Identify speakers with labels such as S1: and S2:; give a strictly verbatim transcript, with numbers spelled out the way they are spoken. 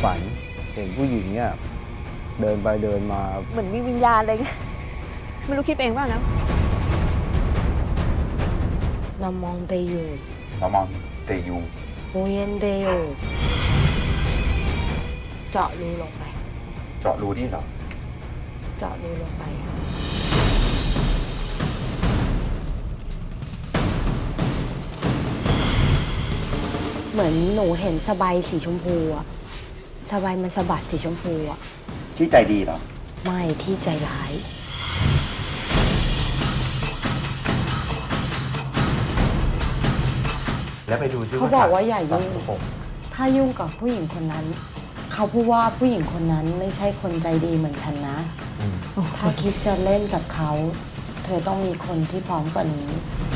S1: ฝันเห็นผู้หญิงเนี่ยเดินไปเดินมา
S2: เหมือนมีวิญญาณอะไรเงี้ยไม่รู้คิดเองว่านะ
S3: นามองเตยู
S4: นามองเตยู
S3: โมเยนเตยูเจาะรูลงไป
S4: เจาะรูนี่เหรอ
S3: เจาะรูลงไปเหมือนหนูเห็นสบายสีชมพูอะสบายมันสะบัดสีชมพูอะ
S4: ที่ใจดีเหรอ
S3: ไม่ที่ใจร้าย
S4: แล้วไปดูซิ
S3: เขาบอกว่าอย่ายุ่งถ้ายุ่งกับผู้หญิงคนนั้นเขาพูดว่าผู้หญิงคนนั้นไม่ใช่คนใจดีเหมือนฉันนะถ้าคิดจะเล่นกับเขาเธอต้องมีคนที่พร้อมกว่านี้